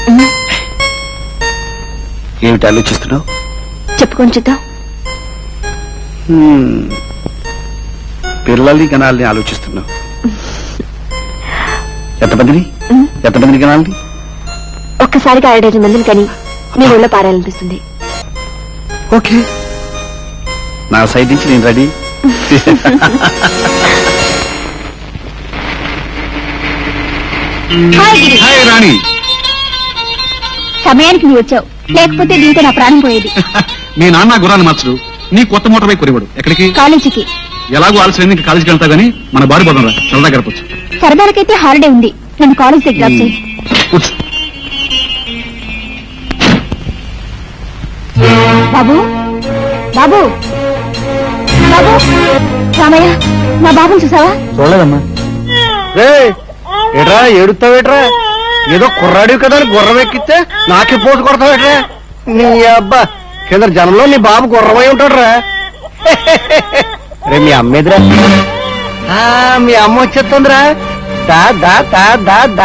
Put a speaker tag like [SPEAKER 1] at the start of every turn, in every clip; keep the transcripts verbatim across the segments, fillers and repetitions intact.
[SPEAKER 1] ఏమిటి ఆలోచిస్తున్నావు?
[SPEAKER 2] చెప్పుకొని చూద్దాం.
[SPEAKER 1] పిల్లల్ని కనాలని ఆలోచిస్తున్నావు. ఎంతమందిని ఎంతమందిని కనాలని?
[SPEAKER 2] ఒక్కసారిగా ఐదు మందిని కని మీ ఊళ్ళో పారాలనిపిస్తుంది.
[SPEAKER 1] ఓకే, నా సైడ్ నుంచి నేను రెడీ. హాయ్ రాణి.
[SPEAKER 2] సమయానికి నువ్వు వచ్చావు, లేకపోతే దీంతో నా ప్రాణం పోయేది.
[SPEAKER 1] మీ నాన్న గురాన్ని మార్చడు, నీ కొత్త మోటార్ బైక్ కొనివాడు. ఎక్కడికి?
[SPEAKER 2] కాలేజీకి.
[SPEAKER 1] ఎలాగో ఆలస్యం ఇంకా కాలేజీకి వెళ్తా గానీ మన బాడీ పోదాం రా, సరదా గడపచ్చు.
[SPEAKER 2] సరదాలకైతే హాలిడే ఉంది, నన్ను కాలేజ్ దగ్గర డ్రాప్ చేయి. బాబు బాబు బాబు రామయ్య, నా బాబుని చూసావా?
[SPEAKER 1] చూడలేదమ్మా. ఏట్రా ఏడుస్తావేట్రా? ఏదో కుర్రాడివి కదా అని గుర్రం ఎక్కిస్తే నాకే పోటు కొడతావేట్రా? నీ అబ్బా, కింద జనంలో నీ బాబు గుర్రమై ఉంటాడురా. రే మీ అమ్మ ఎదురా, మీ అమ్మ వచ్చేస్తుందిరా. దా దా దా దా దా.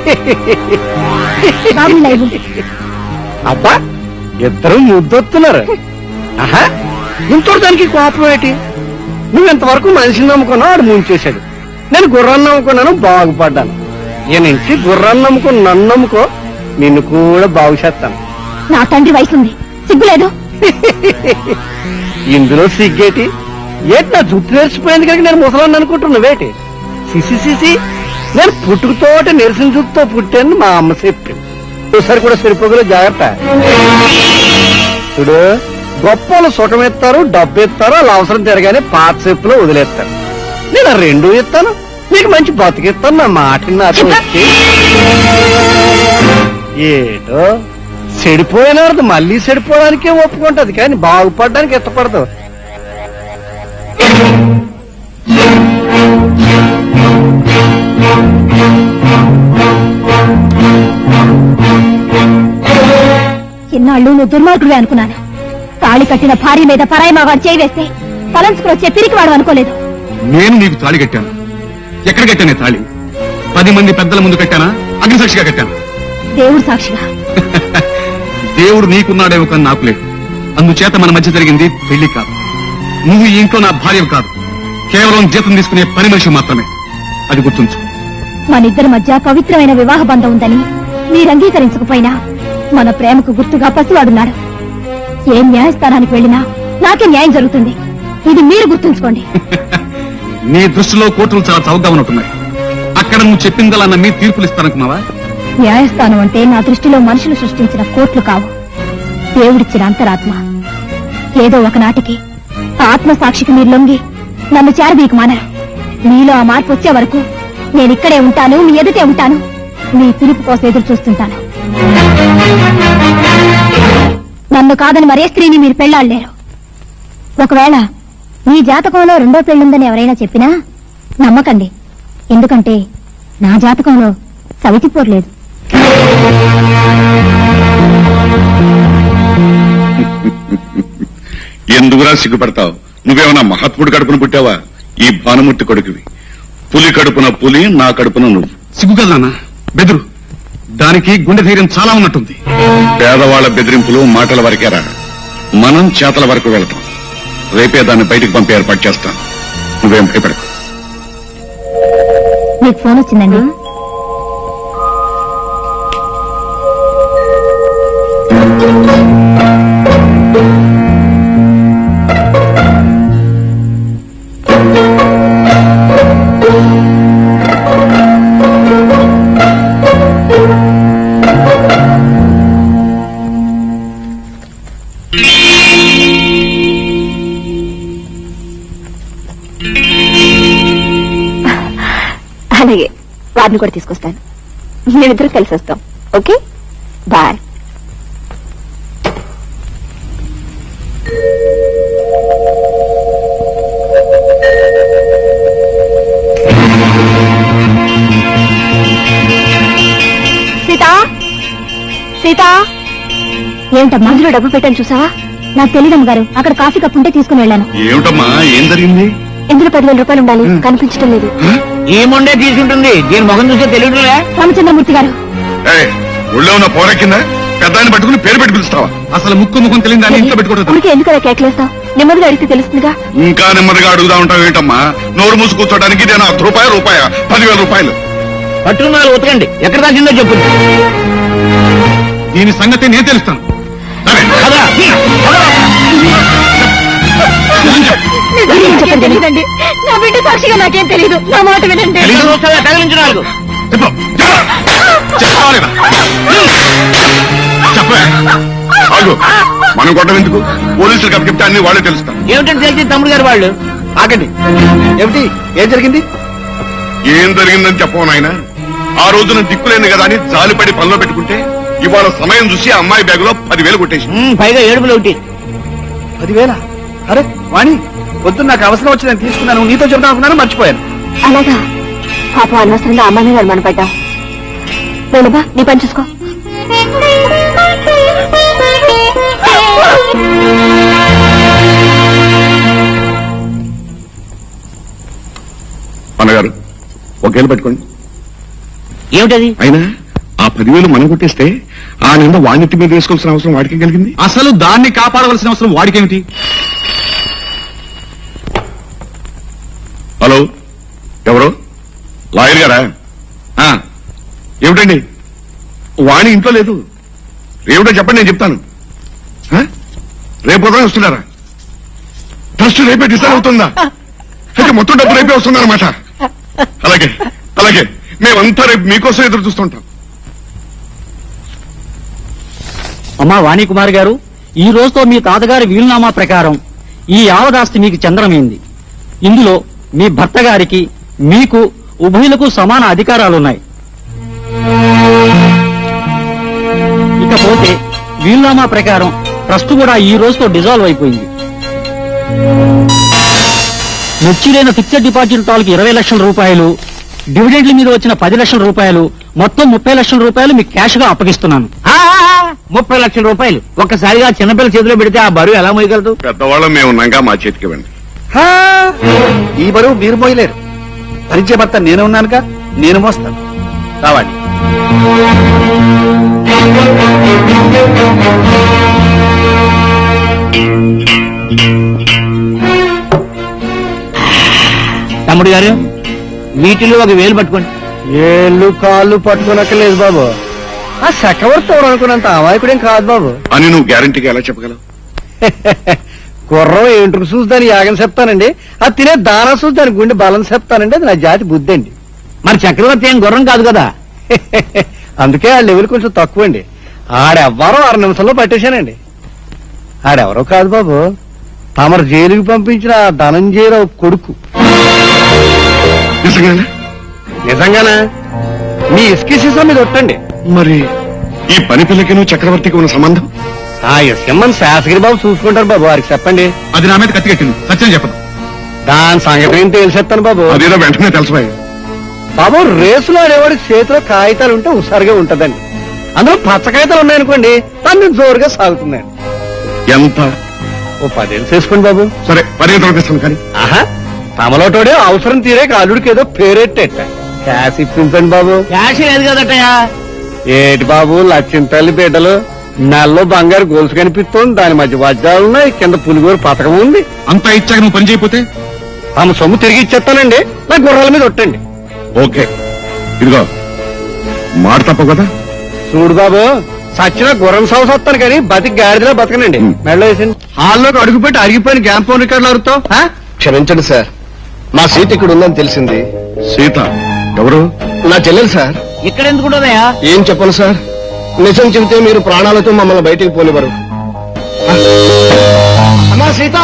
[SPEAKER 1] అబ్బా, ఇద్దరు ముద్దొస్తున్నారు. ఆహా, ఇంతటి దానికి కోపం ఏంటి? నువ్వెంతవరకు మనిషిని నమ్ముకున్నావు, ఆడు ముంచేశాడు. నేను గుర్రాన్ని నమ్ముకున్నాను, బాగుపడ్డాను. ఈ నుంచి గుర్రాన్ని నమ్ముకుని నన్ను నమ్ముకో, నిన్ను కూడా బాగు చేస్తాను.
[SPEAKER 2] నా తండ్రి వయసు ఉంది, సిగ్గులేదు.
[SPEAKER 1] ఇందులో సిగ్గేటి? ఏంటి నా జుట్టు నేర్చిపోయింది కనుక నేను ముసలాన్ని అనుకుంటున్నావేటి? సిసి సిసి, నేను పుట్టుకతోటి నెరిసిన జుట్టుతో పుట్టాను మా అమ్మ చెప్పింది. ఒకసారి కూడా సరిపోగలే, జాగ్రత్త. చూడు, గొప్పలు సుఖమెత్తారు, డబ్బు ఎత్తారు, అలా అవసరం తిరగానే పాత చెప్పులో వదిలేస్తారు. నేను ఆ రెండు ఇస్తాను, నీకు మంచి బతికిస్తాను. నా మాటని నాతో వచ్చి ఏటో చెడిపోయిన వాడు మళ్ళీ చెడిపోవడానికే ఒప్పుకుంటది, కానీ బాగుపడడానికి ఇష్టపడదు.
[SPEAKER 2] చిన్నాళ్ళు నువ్వు దుర్మార్గుడే అనుకున్నాను. తాళి కట్టిన భార్య మీద పరాయి మగాడు చేయి వేస్తే తలంచుకుని వచ్చే పిరికివాడు అనుకోలేదు.
[SPEAKER 3] నేను నీకు తాళి కట్టాను. ఎక్కడ కట్టానే తాళి? పది మంది పెద్దల ముందు కట్టానా, అగ్నిసాక్షిగా కట్టాను?
[SPEAKER 2] దేవుడు సాక్షిగా.
[SPEAKER 3] దేవుడు నీకున్నాడేమో కానీ నాకు లేదు. అందుచేత మన మధ్య జరిగింది పెళ్లి కాదు. నువ్వు ఈ ఇంట్లో నా భార్య కాదు, కేవలం జీతం తీసుకునే పని మనిషి మాత్రమే. అది గుర్తుంచు.
[SPEAKER 2] మనిద్దరి మధ్య పవిత్రమైన వివాహ బంధం ఉందని మీరు అంగీకరించకపోయినా మన ప్రేమకు గుర్తుగా పసివాడున్నాడు. ఏ న్యాయస్థానానికి వెళ్ళినా నాకే న్యాయం జరుగుతుంది, ఇది మీరు గుర్తుంచుకోండి.
[SPEAKER 3] నీ దృష్టిలో కోర్టులు చాలా చౌకగా ఉన్నట్టున్నాయి. అక్కడ నువ్వు చెప్పిందలా నమ్మి తీర్పులు ఇస్తాననుకున్నావా?
[SPEAKER 2] న్యాయస్థానం అంటే నా దృష్టిలో మనుషులు సృష్టించిన కోర్టులు కావు, దేవుడిచ్చిన అంతరాత్మ. ఏదో ఒకనాటికి ఆ ఆత్మ సాక్షికి మీరు లొంగి నన్ను చేరదీకు మానరు. మీలో ఆ మార్పు వచ్చే వరకు నేను ఇక్కడే ఉంటాను, మీ ఎదుటే ఉంటాను. మీ పిలుపు కోసం ఎదురు చూస్తుంటాను. నన్ను కాదని మరే స్త్రీని మీరు పెళ్లాడలేరు. ఒకవేళ మీ జాతకంలో రెండో పెళ్లుందని ఎవరైనా చెప్పినా నమ్మకండి, ఎందుకంటే నా జాతకంలో సవితిపోర్లేదు.
[SPEAKER 3] ఎందుకురా సిగ్గుపడతావు? నువ్వేమన్నా మహాత్ముడు కడుపున పుట్టావా? ఈ భానుమూర్తి కొడుకువి. పులి కడుపున పులి, నా కడుపున నువ్వు. సిగ్గు కదా బెదురు. దానికి గుండె ధైర్యం చాలా ఉన్నట్టుంది. పేదవాళ్ల బెదిరింపులు మాటల వరకేరా, మనం చేతల వరకు వెళ్తాం. రేపే దాన్ని బయటకు పంపి ఏర్పాటు చేస్తాను. నువ్వేం భయపడకు.
[SPEAKER 2] మీకు ఫోన్ వచ్చిందండి. అలాగే, వారిని కూడా తీసుకొస్తాను. మేమిద్దరం కలిసి వస్తాం. Okay, bye. సీత, సీత, ఏమిటమ్మా అందులో డబ్బు పెట్టాను చూసావా? నాకు తెలియదమ్మ గారు, అక్కడ కాఫీ కప్పు ఉంటే తీసుకుని వెళ్ళాను.
[SPEAKER 3] ఏమిటమ్మా, ఏం జరిగింది?
[SPEAKER 2] ఇందులో పదివేల రూపాయలు ఉండాలి, కనిపించడం లేదు.
[SPEAKER 4] ఏముండే తీసుకుంటుంది, దీని ముఖం చూస్తే తెలియదులే.
[SPEAKER 2] రామచంద్రమూర్తి గారు,
[SPEAKER 3] ఒళ్ళో ఉన్న పోరెక్కిందా పెద్ద ఆయన పట్టుకుని పేరు పెట్టి పిలుస్తావా అసలు ముక్కు ముఖం తెలియదు దాన్ని ఇంట్లో పెట్టుకోవడం
[SPEAKER 2] ఊరికే ఎందుకు అలా కేకలేస్తావు? నెమ్మదిగా అడిగితే తెలుస్తుందిగా.
[SPEAKER 3] ఇంకా నెమ్మదిగా అడుగుదా ఉంటావు ఏంటమ్మా? నోరు మూసి కూర్చోడానికి ఇదేనా అర్ధ రూపాయ రూపాయ పదివేల రూపాయలు
[SPEAKER 1] పట్టుకున్నారు ఉతకండి. ఎక్కడ దాచిందో చెప్పు.
[SPEAKER 3] దీని సంగతి నేను తెలుస్తాను. సరే,
[SPEAKER 1] కదా?
[SPEAKER 2] నిజంగా చెప్పండి. తెలీదండి. నా బిడ్డ సాక్షిగా నాకేం తెలీదు. నా మాట వినండి.
[SPEAKER 1] తెలీదు వస్తుందా? తగిలించు నాలుగు.
[SPEAKER 3] చెప్పు. చెప్పవా లేదా? చెప్పే. ఆగు. మనం కొట్టం ఎందుకు? పోలీసులకు అప్పచెప్తే అన్ని వాళ్ళే తెలుస్తాం.
[SPEAKER 1] ఏమిటంటే తెలిసి తమ్ముడు గారు వాళ్ళు ఆగండి. ఏమిటి? ఏం జరిగింది?
[SPEAKER 3] ఏం జరిగిందని చెప్పవు నాయన. ఆ రోజున దిక్కులేని కదా అని జాలిపడి పనిలో పెట్టుకుంటే ఇవాళ సమయం చూసి ఆ అమ్మాయి బ్యాగ్ లో పదివేలు కొట్టేసి
[SPEAKER 1] ఉమ్, పైగా ఏడుపులు ఒకటి.
[SPEAKER 4] పదివేల? అరే వాణి, వద్దు, నాకు అవసరం వచ్చి నేను తీసుకున్నాను. నీతో చెప్తా అనుకున్నాను, మర్చిపోయాను.
[SPEAKER 2] అలాగా? పాపం అనవసరంగా అమ్మాయి మీద అనుమాన పడ్డావు. వేణుబా, నీ పని చూసుకో.
[SPEAKER 3] అన్నగారు ఒకేళ్ళు పెట్టుకోండి.
[SPEAKER 1] ఏమిటది?
[SPEAKER 3] అయినా ఆ పదివేలు మనం కొట్టేస్తే ఆ నింద వాణిత్య మీద వేసుకోవాల్సిన అవసరం వాడికి కలిగింది.
[SPEAKER 4] అసలు దాన్ని కాపాడవలసిన అవసరం వాడికేమిటి?
[SPEAKER 3] హలో, ఎవరు? లాయర్ గారా? ఆ, ఏమిటండి? వాణి ఇంట్లో లేదు. ఏమిటో చెప్పండి, నేను చెప్తాను. ఆ? రేపు ఉదయం వస్తున్నారా? ట్రస్ట్ రేపే డిసైడ్ అవుతుందా? అయితే మొత్తం డబ్బు రేపే వస్తుందన్నమాట. అలాగే అలాగే మేమంతా రేపు మీకోసం ఎదురు చూస్తుంటాం.
[SPEAKER 5] అమ్మా వాణికుమార్ గారు, ఈ రోజుతో మీ తాతగారి వీలునామా ప్రకారం ఈ యావదాస్తి మీకు చంద్రమైంది. ఇందులో మీ భర్త గారికి మీకు ఉభయులకు సమాన అధికారాలున్నాయి. ఇకపోతే వీలునామా ప్రకారం ట్రస్ట్ కూడా ఈ రోజుతో డిజాల్వ్ అయిపోయింది. మెచ్యూరైన ఫిక్స్డ్ డిపాజిట్ తాలూకు ఇరవై లక్షల రూపాయలు, డివిడెండ్ల మీద వచ్చిన పది లక్షల రూపాయలు, మొత్తం ముప్పై లక్షల రూపాయలు మీకు క్యాష్ గా అప్పగిస్తున్నాను.
[SPEAKER 1] ఆ, ముప్పై లక్షల రూపాయలు ఒక్కసారిగా చిన్నపిల్ల చేతిలో పెడితే ఆ బరువు ఎలా మోయగలదు?
[SPEAKER 3] పెద్దవాళ్ళం మేము ఉన్నాగా మా చేతికి ఇవ్వండి.
[SPEAKER 4] హా, ఈ బరువు మీరు మోయలేరు. పరిచయ భర్త నేను ఉన్నానుగా, నేను మోస్తాను. రావాలి.
[SPEAKER 1] తమ్ముడు గారు, వీటిలో ఒక వేలు పట్టుకోండి.
[SPEAKER 4] ఏళ్ళు కాళ్ళు పట్టుకోనక్కర్లేదు బాబు. ఆ చక్రవర్తి అనుకున్నంత అమాయకుడేం కాదు బాబు.
[SPEAKER 3] అని నువ్వు గ్యారంటీగా ఎలా చెప్పగలవు?
[SPEAKER 4] గుర్రం ఏంట్రు చూసి దాని యాగం చెప్తానండి, అది తినే దానా చూసి దాని గుండె బలం చెప్తానండి. అది నా జాతి బుద్ధి అండి.
[SPEAKER 1] మరి చక్రవర్తి ఏం గుర్రం కాదు కదా.
[SPEAKER 4] అందుకే ఆ లెవెల్ కొంచెం తక్కువ అండి. ఆడెవ్వరో ఆరు నిమిషంలో పట్టేశానండి. ఆడెవరో కాదు బాబు, తమరు జైలుకి పంపించిన ఆ ధనంజయరావు కొడుకు.
[SPEAKER 3] నిజంగానే?
[SPEAKER 4] నిజంగానా? మీ ఇసుక సీసా మీద ఒట్టండి.
[SPEAKER 3] మరి ఈ పని పిల్లకి నువ్వు చక్రవర్తికి ఉన్న సంబంధం?
[SPEAKER 4] ఆ ఇసుకమ్మని శాసగిరి బాబు చూసుకుంటారు బాబు, వారికి చెప్పండి.
[SPEAKER 3] అది నా మీద కత్తికెట్టింది, సత్యం చెప్పదు.
[SPEAKER 4] దాని సంగతి ఏం తెలిసేస్తాను బాబు.
[SPEAKER 3] అదేదో వెంటనే తెలుసుపోయి.
[SPEAKER 4] బాబు, రేసులో ఆడేవాడి చేతిలో కాగితాలు ఉంటే హుషారుగా ఉంటదండి. అందులో పచ్చ కాగితాలు ఉన్నాయనుకోండి, దాన్ని జోరుగా సాగుతుందండి.
[SPEAKER 3] ఎంత?
[SPEAKER 4] ఓ పదేళ్ళు చేసుకోండి బాబు.
[SPEAKER 3] సరే, పరిగెత్తులు తెస్తాను కానీ.
[SPEAKER 4] ఆహా, తమలోటోడే అవసరం తీరే అల్లుడికి ఏదో పేరెట్టేట. క్యాష్ ఇప్పించండి బాబు.
[SPEAKER 1] క్యాష్ లేదు కదటయా.
[SPEAKER 4] ఏటి బాబు, లక్ష్యం తల్లి బిడ్డలు, నెలలో బంగారు గొలుసు కనిపిస్తోంది, దాని మధ్య వజ్రాలు ఉన్నాయి, కింద పులిగోరు పథకం ఉంది.
[SPEAKER 3] అంతా ఇచ్చాక నువ్వు పని చేయకపోతే
[SPEAKER 4] తమ సొమ్ము తిరిగి ఇచ్చేస్తానండి. నా గుర్రాల మీద ఒట్టండి.
[SPEAKER 3] ఓకే, ఇదిగో మాట తప్ప కదా.
[SPEAKER 4] చూడు బాబు, సచ్చిన గుర్రం సౌస్ వస్తాను కానీ బతికి గాడిదలో బతకనండి.
[SPEAKER 3] ఉం.
[SPEAKER 4] మెళ్ళ వేసింది. హాల్లోకి అడుగుపెట్టి అరిగిపోయిన గ్యామ్ ఫోన్ రికార్డులు అడుగుతావు.
[SPEAKER 6] క్షమించండి సార్, నా సీట్ ఇక్కడ ఉందని తెలిసింది.
[SPEAKER 3] సీత ఎవరు?
[SPEAKER 6] నా చెల్లెలు సార్.
[SPEAKER 1] ఇక్కడ ఎందుకు ఉండదయా?
[SPEAKER 6] ఏం చెప్పను సార్, నిజం చెబితే మీరు ప్రాణాలతో మమ్మల్ని బయటికి పోనివ్వరు. అమ్మా సీత,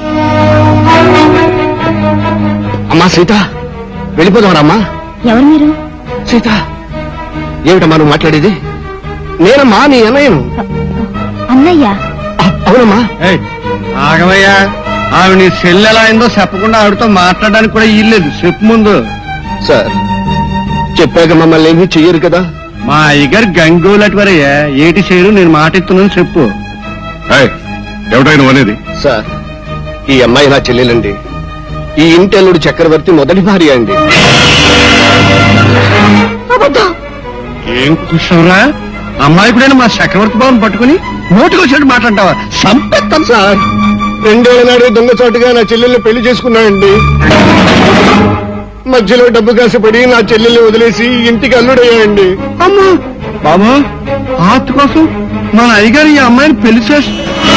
[SPEAKER 6] అమ్మా సీత, వెళ్ళిపోదామరమ్మా.
[SPEAKER 2] ఎవరు మీరు?
[SPEAKER 6] సీత, ఏమిటమ్మా నువ్వు మాట్లాడేది? నేనమ్మా నీ అన్నయ్యను.
[SPEAKER 2] అన్నయ్య?
[SPEAKER 6] అ- అవునమ్మా.
[SPEAKER 4] ఏయ్, ఆగమయ్యా. ఆవిడ నీ సెల్ ఎలా అయిందో చెప్పకుండా ఆవిడతో మాట్లాడడానికి కూడా ఇల్లేదు. చెప్పు ముందు.
[SPEAKER 6] సార్, చెప్పాక మమ్మల్ని ఏమీ చెయ్యరు కదా.
[SPEAKER 4] మా అయ్యగారు గంగోలటి వరయ్యా, ఏటి చేయరు, నేను మాట ఇస్తున్నాను చెప్పు.
[SPEAKER 3] ఏయ్, ఏమిటో నువ్వు అనేది?
[SPEAKER 6] సార్, ఈ అమ్మాయి నా చెల్లెలండి. ఈ ఇంటి అల్లుడు చక్రవర్తి మొదటి భార్య అండి.
[SPEAKER 4] ఏం కుషంరా?
[SPEAKER 1] అమ్మాయికుడైన మా చక్రవర్తి బాబుని పట్టుకుని నోటికి వచ్చినట్టు మాట్లాడతావా? సంపెత్తాను
[SPEAKER 6] సార్ రెండేళ్ల నాడే దొంగచాటుగా నా చెల్లెల్ని పెళ్లి చేసుకున్నానండి. మధ్యలో డబ్బు కాసపడి నా చెల్లెల్ని వదిలేసి ఇంటికి అల్లుడయ్యాయండి.
[SPEAKER 1] అమ్మా బాబు, ఆర్ట్ కోసం మన అయ్యగారు ఈ అమ్మాయిని పెళ్లి చేసి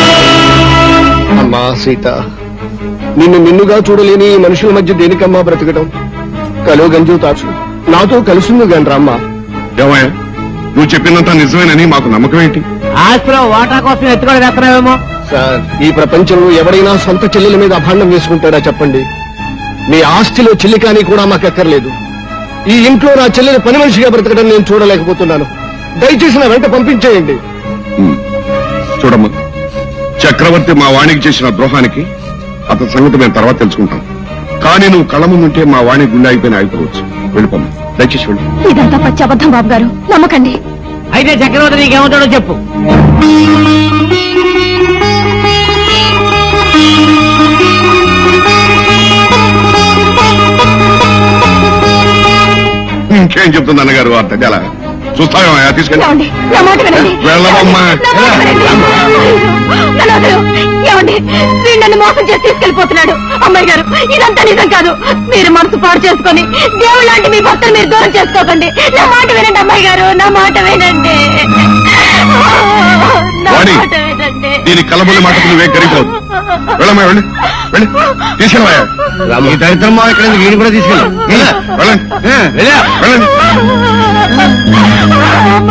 [SPEAKER 6] అమ్మా సీత, నిన్ను నిన్నుగా చూడలేని ఈ మనుషుల మధ్య దేనికమ్మా బ్రతకడం? కలో గంజు తాచు నాతో కలిసింది గాని రామ్మా.
[SPEAKER 3] ఏమయ్యా, నువ్వు చెప్పినంత నిజమేనని మాకు నమ్మకం ఏంటి?
[SPEAKER 5] ఆస్తిలో వాటా కోసం ఎత్తుకొని వేస్తున్నావేమో.
[SPEAKER 6] సార్, ఈ ప్రపంచంలో ఎవడైనా సొంత చెల్లెల మీద అభాండం వేసుకుంటాడా చెప్పండి? మీ ఆస్తిలో చిల్లికాని కూడా మాకు అక్కర్లేదు. ఈ ఇంట్లో నా చెల్లెని పని మనిషిగా బ్రతకడం నేను చూడలేకపోతున్నాను. దయచేసి నా వెంట పంపించేయండి.
[SPEAKER 3] ఉమ్. చూడమ్మా, చక్రవర్తి మా వాణికి చేసిన ద్రోహానికి అతని సంగతి మేము తర్వాత తెలుసుకుంటాం. కానీ నువ్వు కళ్ళ ముందుంటే మా వాణి గుండె అయిపోయిన ఆగిపోవచ్చు. వెళ్ళిపోమ్మా, దయచేసి వెళ్ళి.
[SPEAKER 2] ఇదంతా పచ్చి అబద్ధం బాబు గారు, నమ్మకండి.
[SPEAKER 5] అయితే చక్రవర్తి నీకేమవుతాడో చెప్పు.
[SPEAKER 3] ఇంకేం చెప్తుంది అన్నగారు అర్థం చాలా చూస్తావేమయ్యా, తీసుకెళ్ళి.
[SPEAKER 2] ఏమండి, నా మాట వినండి.
[SPEAKER 3] వెళ్ళవమ్మా.
[SPEAKER 2] నా మాట వినండి. నన్ను వదలు. ఏమండి, వీడు నన్ను మోసం చేసి తీసుకెళ్లిపోతున్నాడు. అమ్మాయి గారు, ఇదంతా నిజం కాదు. మీరు మనసు పాడు చేసుకొని దేవుడు లాంటి మీ భర్తను మీరు దూరం చేసుకోకండి. నా మాట వినండి అమ్మాయి గారు, నా మాట వినండి. నా
[SPEAKER 3] వాణి,
[SPEAKER 2] మాట వినండి.
[SPEAKER 3] దీని కలబుల్లి మాటకు నువ్వే గరిపోదు. వెళ్ళమ్మా, వెళ్ళి వెళ్ళి తీసుకెళ్ళవయ్యా.
[SPEAKER 1] ఈ దరిద్రం మా ఇక్కడ వీడిని కూడా తీసుకెళ్ళి
[SPEAKER 3] వెళ్ళండి వెళ్ళండి.
[SPEAKER 1] వెళ్ళా
[SPEAKER 3] వెళ్ళండి.